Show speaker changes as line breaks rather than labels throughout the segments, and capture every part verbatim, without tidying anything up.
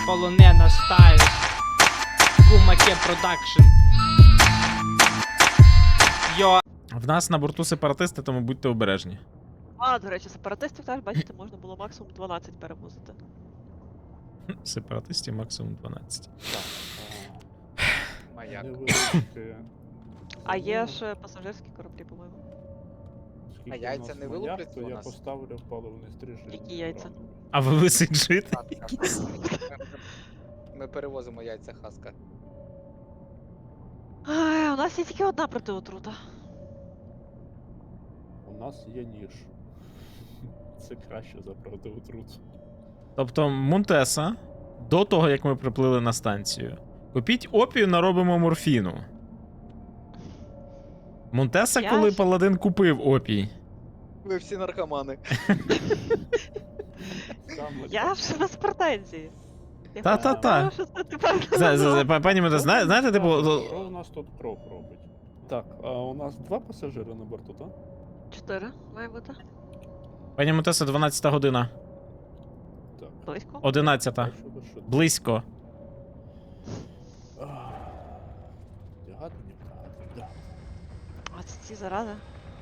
полонена стайл. Кумаке продакшн. Йо.
В нас на борту сепаратисти, тому будьте обережні.
А, до речі, сепаратистів теж, бачите, можна було максимум дванадцять перевозити.
Сепаратистів максимум дванадцять.
Маяк.
Невеличке.
А є ж пасажирські кораблі, по-моєму.
Скільки
А
в
яйця
нас
не
маяк,
вилупляться
то
у
я
нас?
поставлю паливний стрижень.
Які яйця?
А ви висиджите?
Хаска. Ми перевозимо яйця хаска.
Ай, у нас є тільки одна протиотрута.
У нас є ніж. Це краще за протиотрут.
Тобто Монтеса, до того, як ми приплили на станцію, купіть опію, наробимо морфіну. Монтеса,
Я
коли
ж-
паладин купив опій.
Ви всі наркомани.
Саме
Я ж без претензій. Я
Та-та-та.
просто знаю, що це тепер
Зна- зна- зна- Пані Монтеса, зна- знаєте, типу.
Що у нас тут кров робить? Так, а у нас два пасажири на борту, так?
Чотири має бути.
Пані Монтеса, дванадцята година.
Так.
Близько.
одинадцята.
Що ви що?
Близько.
Ах, Вдягати, не вдягати, вдягати.
А це ці зарази.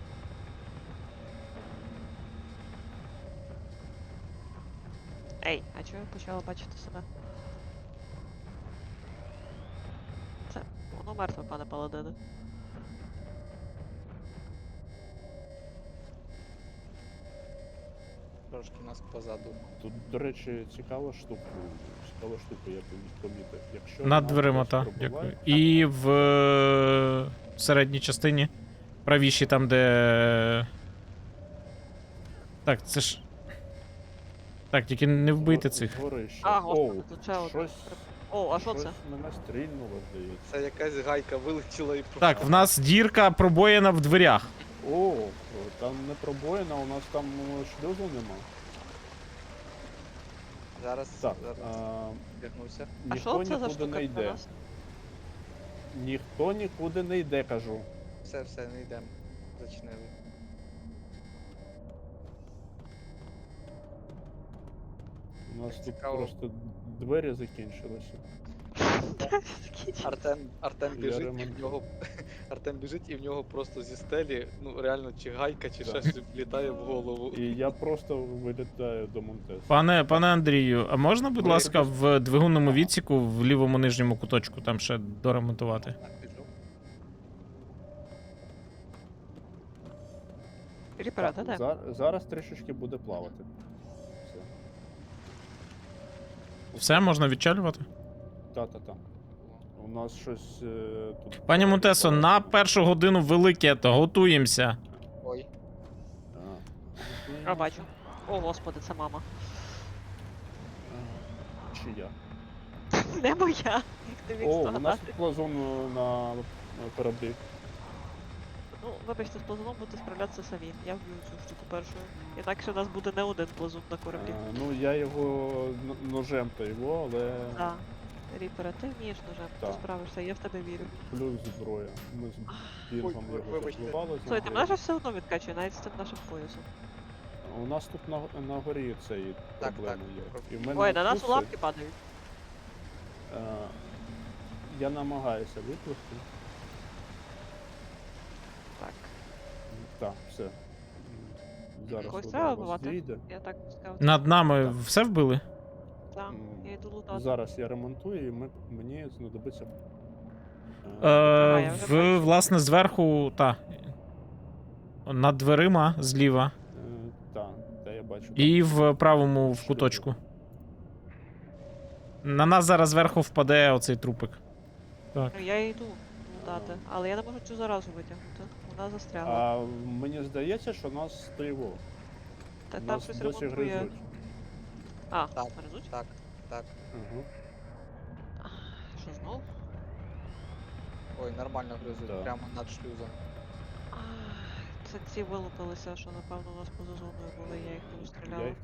Ей, а чого я почала бачити себе? Це воно мертве, пане паладине.
Трошки нас позаду.
Тут, до речі, цікава штука. Цікава штука, я помі- помітив. Якщо
Над
нас
дверима,
хтось
та.
пробиває-
Дякую. І в е, середній частині. Правіші там, де. Так, це ж. Так, тільки не вбийте
Згор-
цих.
згори ще.
А,
Оу,
господи, тут ще одне.
щось,
О, а що
щось
це?
мене стрільнуло, здається.
Це якась гайка вилетіла і пропала.
Так, в нас дірка пробоєна в дверях.
О, там не пробоїна, у нас там ну, шлюзу нема.
Зараз,
Так,
зараз
а,
вдягнуся.
А
ніхто
що це за
нікуди
штука
не
для
йде.
нас?
Ніхто нікуди не йде, кажу.
Все, все, не йдемо. Зачинили.
У нас тут
Цікаво.
просто двері закінчилися.
Артем, Артем
Я
біжить і
ремонтую.
в нього. Артем біжить і в нього просто зі стелі, ну реально, чи гайка, чи
Так.
ще щось влітає в голову.
І я просто вилітаю до Монтеса.
Пане, пане Андрію, а можна, будь
Ми-
ласка, в двигунному відсіку в лівому нижньому куточку там ще доремонтувати?
Так, біжу.
Ріпера, та де?
За- зараз трішечки буде плавати. Все.
Все, можна відчалювати?
Та-та-та. У нас щось е, тут.
Пані Монтесо, на першу годину велике, то готуємося.
Ой,
А, бачу. О, господи, це мама.
Чи я?
Не моя, як ти міг
О, у нас
здогадати.
тут плазун е, на на кораблі.
Ну, вибачте, з плазуном будете справлятися самі. Я вб'ю цю штуку першою. Інакше у нас буде не один плазун на кораблі.
Е, ну, я його н- ножем то його, але
Так. Ріпера, ти вмієш ножем, ти
Так.
справишся, я в тебе вірю.
плюс зброя. Ми з Бінгом
Ой,
його
вибачте.
запливали.
Слухай, ти мене ж все одно відкачує, навіть з цим нашим поясом.
У нас тут на, на горі цей
Так,
проблеми
так.
є. І в мене
Ой, на нас
укуси,
лапки падають.
е, я намагаюся випливти.
Так.
Так, все. М, Зараз
Когось
вода
треба
у вас
вбивати?
зійде.
Я так сказав.
Над нами
Так.
все вбили?
Так,
М,
я йду лутати.
Зараз я ремонтую і ми, мені знадобиться.
Е,
я вже
в,
бачу.
власне, зверху, та. Над дверима зліва.
Так, та я бачу.
І в правому в куточку. На нас зараз зверху впаде оцей трупик. Так.
Ну, я йду лутати, але я не можу цю заразу витягнути. Вона застрягла.
А мені здається, що нас триво.
Та там
Нас
щось
досі
ремонтує.
гризуть.
А,
Так.
гризуть?
так, так.
Ага.
Що знов?
Ой, нормально гризуть,
Да.
прямо над шлюзом.
Ах, Це ці вилупилися, що напевно у нас поза зоною були, я їх не розстріляла.
Яйка.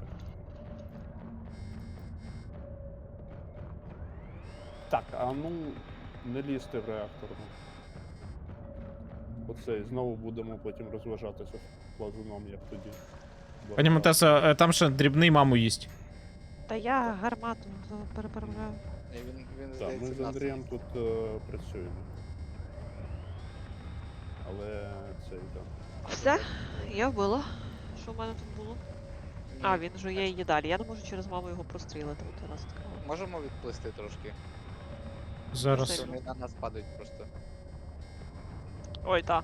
Так, а ну не лізьте в реактор. ну. Оце, і знову будемо потім розважатися з плазуном, як тоді.
Пані Монтесо, е, там ще дрібний маму їсть.
Та я гармату за- переправляю.
Ні, він, він
Так,
здається,
ми з
нас-
Андрієм тут е, працюємо. Але цей там.
Все, я вбила. Що в мене тут було? А,
Ні.
він жує її далі. Я не можу через маму його прострілити, от я нас відкрила.
Можемо відплисти трошки.
Зараз.
Сильно.
Вони на нас падають просто.
Ой, та.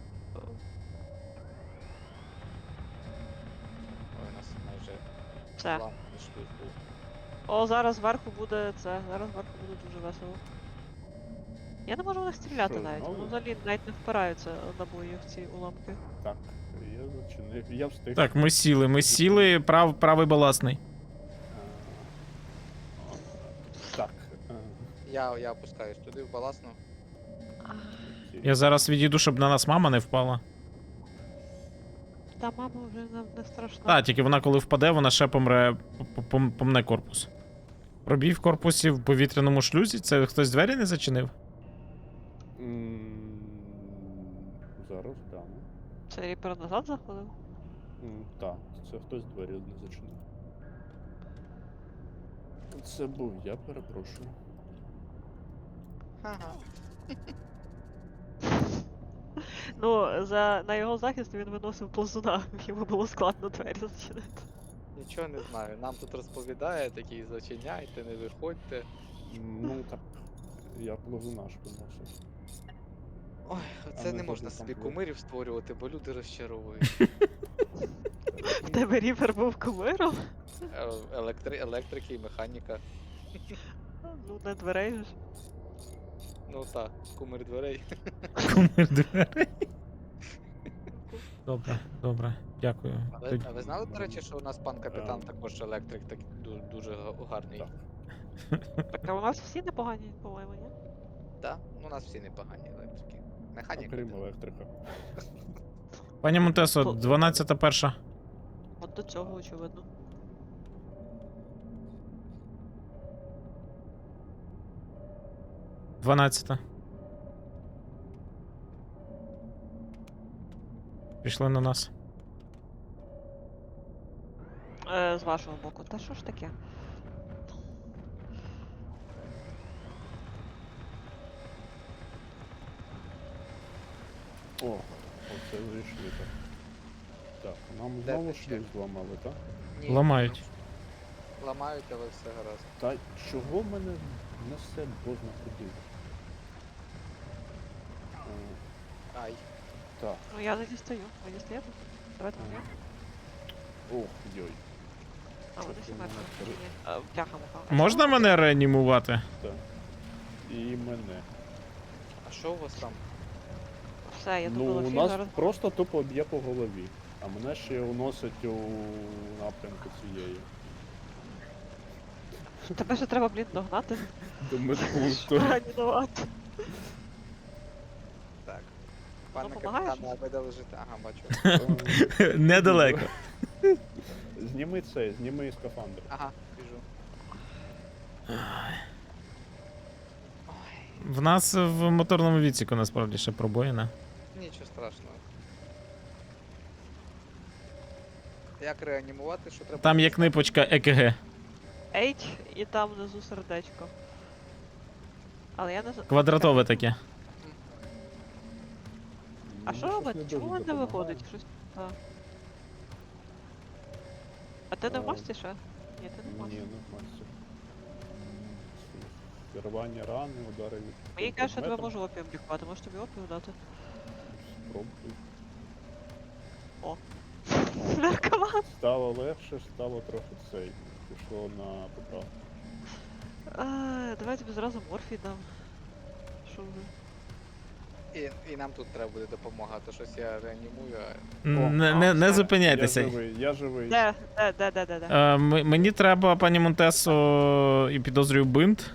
Ой, нас майже
Все.
ламп пішли.
О, зараз зверху буде це. Зараз зверху буде дуже весело. Я не можу в них стріляти
Що,
навіть.
знову?
Вони взагалі навіть не впираються набої в ці уламки.
Так, я зачинив. Я встиг.
Так, ми сіли, ми сіли, прав, правий баласний.
Е, Так. е,
Я, я опускаюсь туди в баласну.
окей.
Я зараз відійду, щоб на нас мама не впала.
Та мама вже не, не страшна.
Та, тільки вона коли впаде, вона ще помре, п- п- помне корпус. Пробій в корпусі в повітряному шлюзі, це хтось двері не зачинив?
М, Зараз гляну.
Це ріпер назад заходив?
М, Так, це хтось двері не зачинив. Це був я, перепрошую.
Ага.
Ну, за, на його захист він виносив ползуна. Йому було складно двері зачинити.
Нічого не знаю. Нам тут розповідає, такий зачиняйте, не виходьте.
Ну так, я плазунаш виносив.
Ой,
А
оце
ми
не можна
потім
собі
там
кумирів створювати, бо люди розчаровують.
В тебе ріпер був кумиром?
Е, Електри, електрики і механіка.
Ну, не дверей ж.
Ну так, кумир дверей.
Кумир дверей. Добре, добре, дякую.
А ви,
Тоді-
а ви знали, до речі, що у нас пан капітан також електрик, так ду- дуже га- гарний.
Так.
Так, а у нас всі непогані, по-моєму, ні?
Так? Ну, у нас всі непогані електрики. Механіка.
Окрім
та-
електрика.
Пані Монтесо,
По-
дванадцята перша.
От до цього, очевидно.
дванадцята. Пішли на нас.
Е, з вашого боку. Та що ж таке?
О, оце зайшли так. Так, нам
Де
знову
ти ще?
шлюз зламали, так?
Ні,
Ламають.
ламають, але все гаразд.
Та чого мене несе бозна куди? Е,
Ай.
Так,
Ну я не дістаю. Ви дістаєте? Давайте мені.
ох, йой,
А, вони всі
Чорт,
мертві.
у мене
Ні, ні. Е, Бляха муха.
Можна мене реанімувати?
так. І мене.
А що у вас там?
Все, я
Ну,
добила
у
всіх
нас
зараз.
просто тупо б'є по голові, а мене ще уносить у напрямку цієї.
Тебе ще треба, блін, догнати.
До медпункту.
Реанімувати.
Так. Пане
допомагаєш?
капітане, а ви де лежите? Ага, бачу.
Недалеко.
Зніми цей, зніми скафандр.
Ага, біжу.
В нас в моторному відсіку насправді ще пробоїна.
Нічого страшного. Як реанімувати, що треба?
Там є книпочка Е К Г.
H і там внизу сердечко. Але я не знаю.
Квадратове таке.
А що робити? Чому він не виходить? Щось. А, а ти не в
А,
масці ще? Ні, ти не в
Ні,
масці.
не в масці. Рвання рани, удари від...
Мені каже, що я тебе
предметом.
можу опіум лікувати, можеш тобі опіум дати?
Спробуй.
Наркоман!
Стало легше, стало трохи цей. Пішло на поправку.
А, давай я тобі зразу морфій дам. Що вже?
І, і нам тут треба буде допомога, то щось я реанімую, а
Не, не, не
Я
зупиняйтеся.
живий, я живий.
Де? Де, де, де, де, де?
Е, м- мені треба, пані Монтесо, і підозрюю бинт.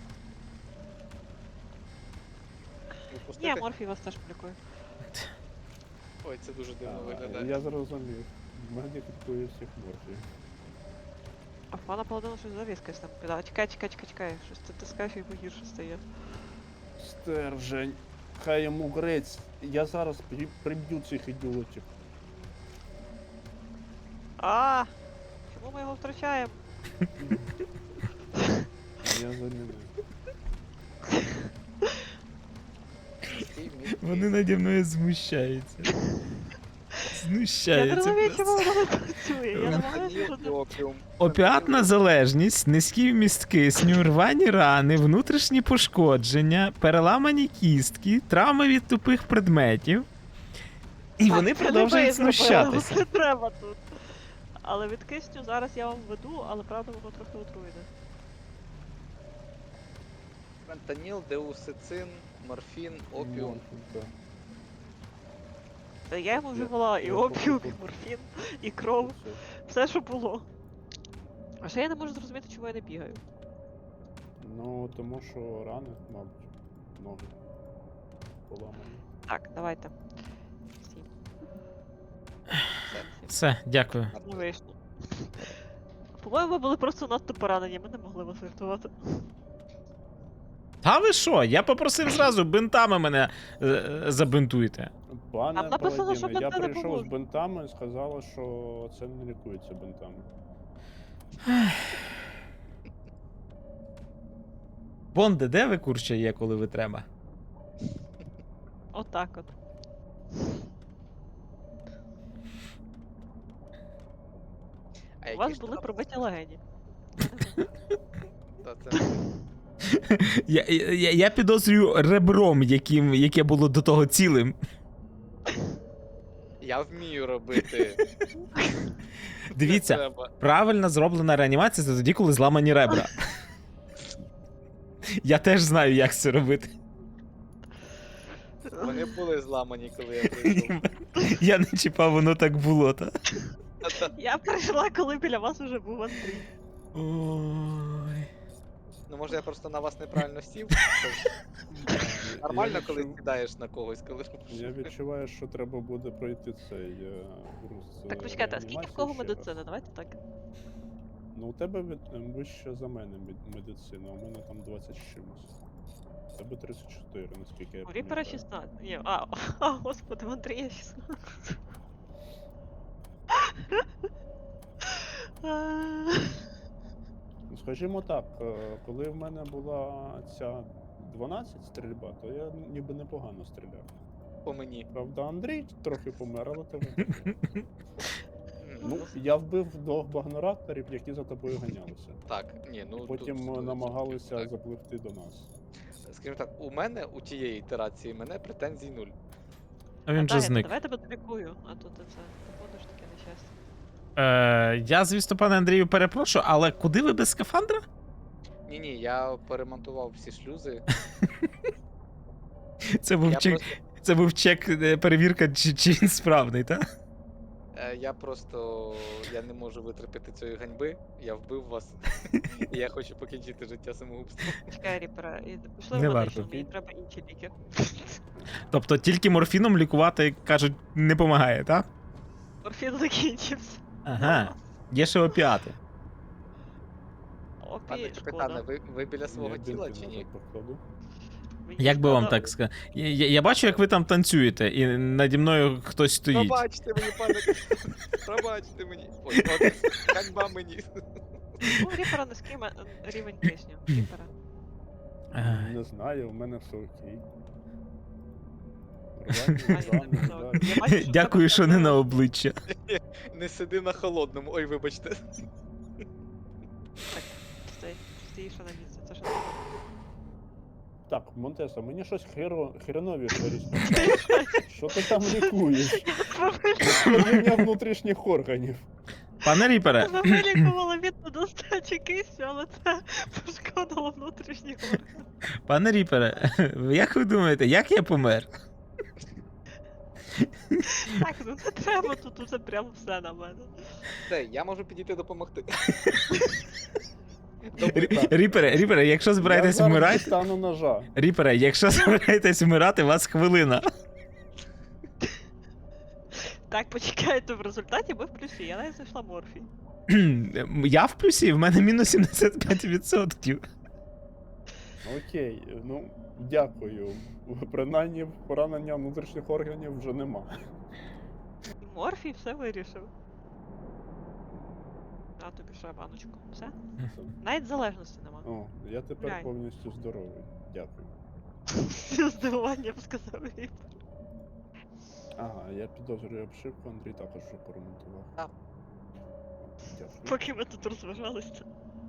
відпустити.
Ні, морфій вас теж полікує.
Ой, це дуже дивно
А,
виглядає.
Я зрозумів. Мені купує всіх морфій.
А пана Паладину щось завіскась там піда. Чекай, чекай, чекай, чекай. Щось ти тискаєш і погірше стає.
Стержень. Хай йому грець. Я зараз при- приб'ю цих ідіотів.
А! Чому ми його втрачаємо?
Я замінив.
Вони наді мною змущаються.
Я не
Знущаються
розумію,
просто.
чому воно не працює. Я намагаюся,
Фентаніл
що
і
це...
опіум.
Опіатна залежність, низький вміст кисню, рвані рани, внутрішні пошкодження, переламані кістки, травми від тупих предметів. І
Так,
вони
це
продовжують
не ви зробили,
знущатися.
Це треба тут. Але від кисню зараз я вам веду, але правда воно трохи отруєне.
Фентаніл, деусицин, морфін, опіум.
Морфін, так.
Та я йому
Я-
вживала і
я
опіум, і
походу-
морфін, і кров,
Все.
все, що було. А ще я не можу зрозуміти, чому я не бігаю.
Ну, тому що рани, мабуть, ноги поламані.
Так, давайте. Всі.
Все, дякую.
Не вийшло. По-моєму, ви були просто надто поранені, ми не могли вас врятувати.
Та ви що? Я попросив зразу бинтами мене е, е, забинтуйте.
Пане
Там написано, що
Паладіне, я
бинти не
прийшов з
поможуть.
бинтами і сказала, що це не лікується бинтами.
Бонде, де ви курча є, коли ви треба?
Отак от.
А
У
які
вас
ж
були
там-
пробиті легені.
Та це-
Я, я, я підозрюю ребром, яким, яке було до того цілим.
Я вмію робити.
Дивіться,
Треба.
правильно зроблена реанімація це тоді, коли зламані ребра. Я теж знаю, як це робити.
Вони були зламані, коли я прийшов.
Я не чіпав, воно так було, та?
Та-та.
Я прийшла, коли біля вас уже був Андрій.
Ой.
Ну може я просто на вас неправильно сів? Нормально,
Я
коли
відчув-
кидаєш на когось, коли.
Я відчуваю, що треба буде пройти цей е, курс.
Так
е,
почекайте, а скільки в
реанімації
кого
ще раз.
медицина? Давайте так.
Ну, у тебе від, е, вище за мене мед- медицина, у мене там двадцять з чимось. У тебе тридцять чотири, наскільки я
У Ріпера
пам'ятаю.
шістнадцять. Ні, а, а, господи, в Андрія шістнадцять. А,
Ну, скажімо так, е, коли в мене була ця дванадцять стрільба, то я ніби непогано стріляв.
По мені.
Правда, Андрій трохи помер, але тебе.
М,
Ну, я вбив двох багнорапторів, які за тобою ганялися.
Так, ні, ну.
Потім
тут-
е,
тут-
намагалися
так.
запливти до нас.
Скажімо так, у мене у тієї ітерації мене претензій нуль.
А він
Дай,
же зник.
Давай я тебе долікую, а то ти це походиш таке нещастя.
Е, я, звісно, пане Андрію, перепрошую, але куди ви без скафандра?
Ні, ні, я поремонтував всі шлюзи.
Це був
Я
чек,
просто,
це був чек, е, перевірка, чи, чи він справний, так?
е, я просто я не можу витерпіти цієї ганьби. Я вбив вас. І я хочу покінчити життя самогубством.
Чекай, Ріпера, і пішли
Не
в
варто.
медичну, мені треба інші ліки.
Тобто тільки морфіном лікувати, кажуть, не допомагає, так?
Морфін закінчився.
Ага. Є ще опіати.
Пане
Опі,
капітане,
шкода.
ви, ви біля свого
Я
тіла
бінти
чи ні?
назад покладу.
Мені
Як би вам
шкода.
так сказати? Я, я, я бачу, як ви там танцюєте, і наді мною хтось стоїть.
Пробачте мені, пане. Пробачте мені. Ой, от, ганьба мені.
Ну, у Ріпера низький ме- рівень кисню. Ріпера.
Ай.
Не знаю, у мене все окей.
А,
Рвані,
я
рани,
не
да.
Я бачу, що в
Дякую,
тебе
що не
там-
на обличчя.
Не сиди на холодному. Ой, вибачте.
Стой, стоїш на місці, це що таке?
Так, Монтеса, мені щось херо, хреновіше розповідає. Що ти там лікуєш? Пошкодження внутрішніх органів.
Пане Ріпере,
Вона вилікувала від недостачі кисню, але це пошкодило внутрішні органи.
пане Ріпере, як ви думаєте, як я помер?
Так, ну не треба тут уже прям все на мене.
Де, я можу підійти допомогти.
Рі- Ріпере, Ріпере, якщо
Я
збираєтесь
зараз
вмирати.
дістану ножа.
Ріпере, якщо збираєтесь вмирати, у вас хвилина.
Так, почекайте, в результаті ми в плюсі, я навіть знайшла морфій.
Я в плюсі, в мене мінус сімдесят п'ять відсотків.
Окей, ну дякую. Принаймні поранення внутрішніх органів вже нема.
Морфій все вирішив. На тобі ще баночку. Все?
Все.
Навіть залежності нема.
О, я тепер
Глянь.
повністю здоровий. Дякую.
З здивуванням сказав Віп.
Ага, я підозрюю обшивку, Андрій також вже поремонтував.
Так.
Дякую.
Поки ми тут розважалися.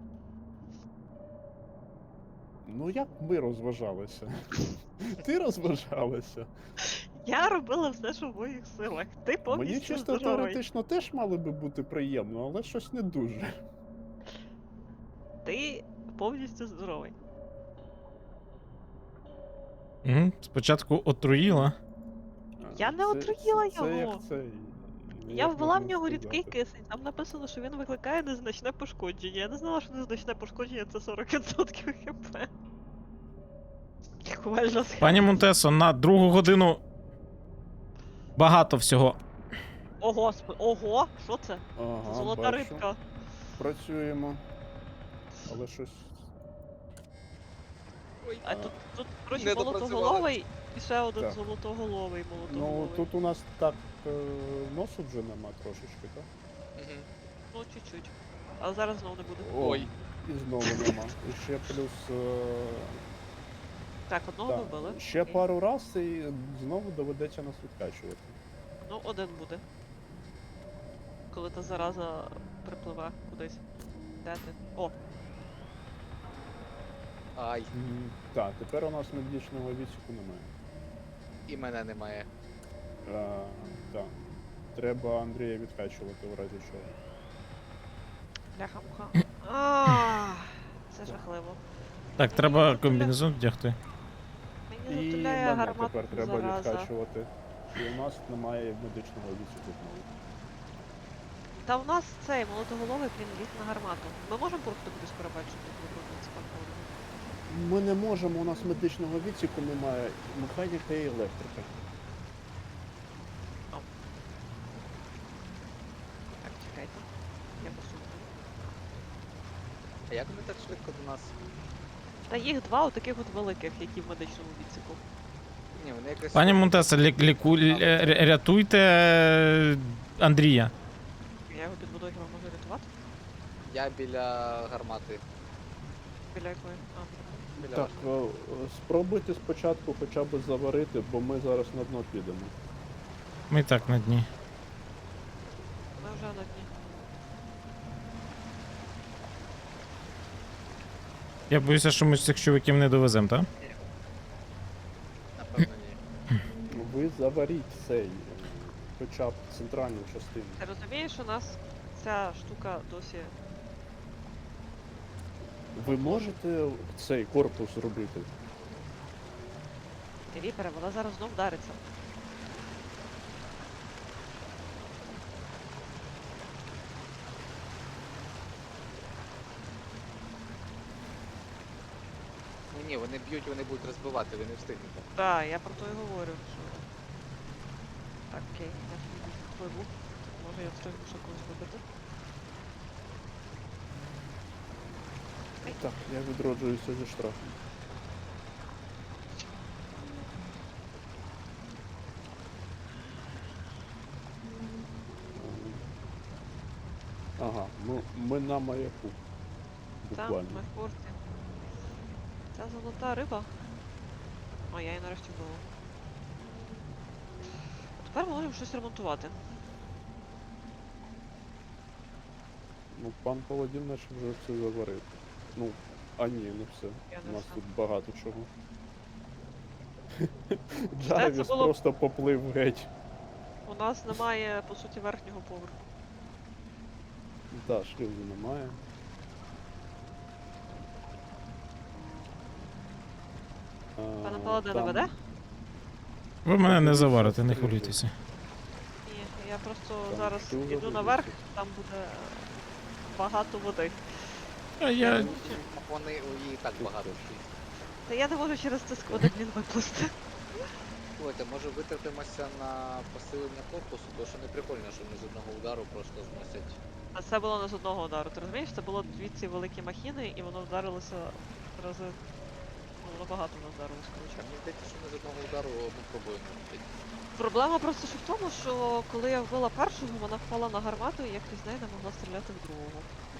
Ну як ми розважалися? Ти розважалася.
Я робила все, що в моїх силах. Ти повністю
Мені чисто
здоровий.
теоретично теж мало би бути приємно, але щось не дуже.
Ти повністю здоровий.
М, Спочатку отруїла.
Я не
Це-
отруїла
це- Це
його.
як цей.
Я
як
ввела в
можна
нього рідкий
сказати?
кисень. Там написано, що він викликає незначне пошкодження. Я не знала, що незначне пошкодження це сорок відсотків хп. Лікувальна схема.
Пані Монтесо, на другу годину багато всього.
О, господи, ого, що це?
Ага,
Золота
бачу.
рибка.
Працюємо. Але щось.
Ой,
А тут, тут коротше,
Не допрацювали.
молотоголовий і ще один
Так.
золотоголовий
Ну,
молотоголовий.
тут у нас так е, носу вже нема трошечки, так?
Мгм.
Ну, чуть-чуть. Але зараз знову не буде.
О,
Ой.
І знову нема. І ще плюс. Е,
Так, одного
так,
вбили.
ще
Окей.
пару раз і знову доведеться нас відкачувати.
Ну, один буде. Коли та зараза припливе кудись. Де ти? О,
Ай,
М, Так, тепер у нас медичного відсіку немає.
і мене немає.
А, так. Треба Андрія відкачувати в разі чого.
бляха-муха. Ах, Це жахливо.
Так, треба комбінезон вдягти.
Мені
І
затуляє
мене
гармату
тепер треба
зараза.
відкачувати. І у нас немає медичного відсіку знову.
Та у нас цей молотоголовий, блін, ліг на гармату. Ми можемо просто кудись перебачити, як вибрати спокійно.
Ми не можемо, у нас медичного відсіку немає, механіка і електрика.
Так, чекайте. Я посуну.
А як вони так швидко до нас?
Та їх два отаких от великих, які в медичному відсіку.
Ні, вони якось.
Пані Монтесо, лі, ліку, лі- ря- рятуйте е, Андрія.
Я його під водою хіба можу рятувати?
Я біля гармати.
Біля якої? А,
Біля
Так,
вашої.
е, е, спробуйте спочатку хоча б заварити, бо ми зараз на дно підемо.
Ми і так на дні.
ми вже на дні.
Я боюся, що ми цих чуваків не довеземо, так?
Напевно, ні.
Ну, ви заваріть цей, е, хоча б центральну частину.
Ти розумієш, у нас ця штука досі.
Ви можете цей корпус зробити?
Віпере, вона зараз знов вдариться.
Ну ні, вони б'ють, вони будуть розбивати, ви не встигнете.
Так, я про то і говорю, що. Так, окей, я собі впливу. Може я встигну ще когось вибити.
Так, я відроджуюся зі штрафом. Ага, ну ми на маяку.
Там,
Буквально.
ми в порті. Ця золота риба. О, я її нарешті вбила. Тепер ми можемо щось ремонтувати.
Ну, пан Паладін наче вже все заварив. Ну, а ні, не все.
Я
У
не
нас
все.
тут багато чого.
це
Джарвіс
було-
просто поплив геть.
У нас немає, по суті, верхнього поверху.
Так, шлюзу немає.
Пане
А,
Паладине
там-
веде?
Ви мене не
Там
заварите, не
стрижу.
хвилюйтеся.
Ні, я просто
Там
зараз
шлюза
іду
буде
наверх,
щось.
там буде багато води.
А я.
Вони у її так багато.
Та я не можу через це склади, блін, виплисти.
Слухайте, може витратимося на посилення корпусу, тому що не прикольно, що вони з одного удару просто зносять.
А це було не з одного удару, ти розумієш? Це було дві ці великі махіни, і воно вдарилося рази. Ну, воно багато воно вдарилося, коротше.
Мені здається, що ми з одного удару одну пробуємо.
Проблема просто що в тому, що коли я вбила першого, вона впала на гармату, і я крізь неї не могла стріляти в другого.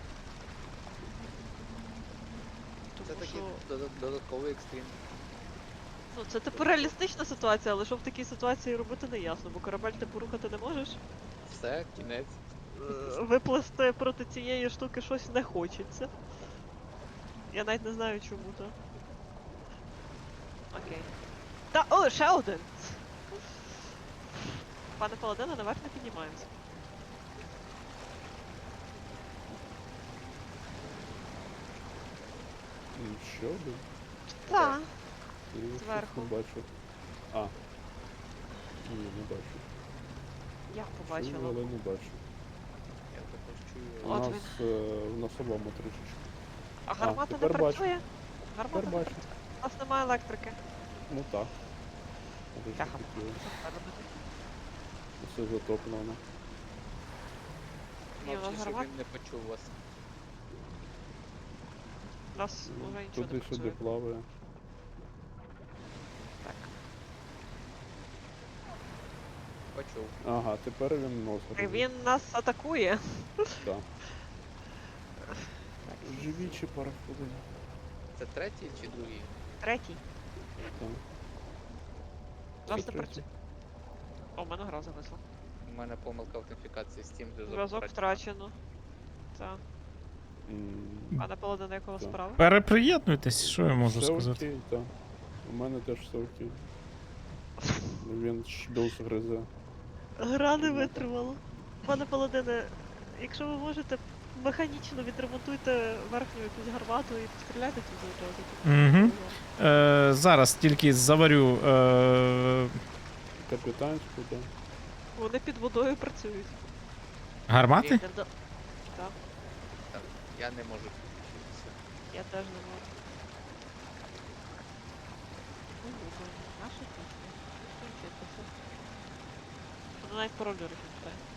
Це такий
Що?
дода- додатковий екстрім.
Ну, це типу реалістична ситуація, але що в такій ситуації робити не ясно, бо корабель ти порухати не можеш.
Все, кінець.
Е, Виплести проти цієї штуки щось не хочеться. Я навіть не знаю чому то. Окей. Та, о, ще один! Пане Паладине, наверх не піднімаємося.
М, Ще один?
Так.
Я щось
Зверху.
не бачу. А. Ні, не бачу.
Я
Чую,
побачила.
але не бачу.
Я також чую.
У
От
нас е, в носовому трішечки.
А гармата не
тепер бачу.
працює? Гармата
Тепер
не
бачу.
працює. У нас немає електрики.
Ну так. А ви ж
Бляха.
хотіли.
Що тепер робити?
Все затоплено.
Ні, у нас
Мовчи, щоб
гармат.
він не почув вас.
У нас уже нічого не
Туди-сюди
працює.
плаває.
Так.
Почув.
Ага, тепер він нос
І
робить.
він нас атакує.
Так. Живі чи параходи?
Це третій чи другий?
Третій.
Так.
У нас
Це
не
третій.
працює. О, в мене гра зависла.
У мене помилка аутентифікації Steam зв'язок.
Зв'язок втрачено. Так.
М,
Пане Паладине, якого
Так.
справа?
Переприєднуйтесь, що я можу
все
сказати.
окей, так. У мене теж все окей. Він шлюз гризе.
Гра не
Ну,
витримала. Пане Паладине, якщо ви можете, механічно відремонтуйте верхню якусь гармату і постріляйте туди одразу.
Мгм. Е, зараз тільки заварю. Е,
Капітанську, так.
Вони під водою працюють.
гармати?
Не вда- Так,
Так, я не можу підключитися.
я теж не можу. Ну, Google, наша пісня. Включитися. Вона навіть пароль не пам'ятає.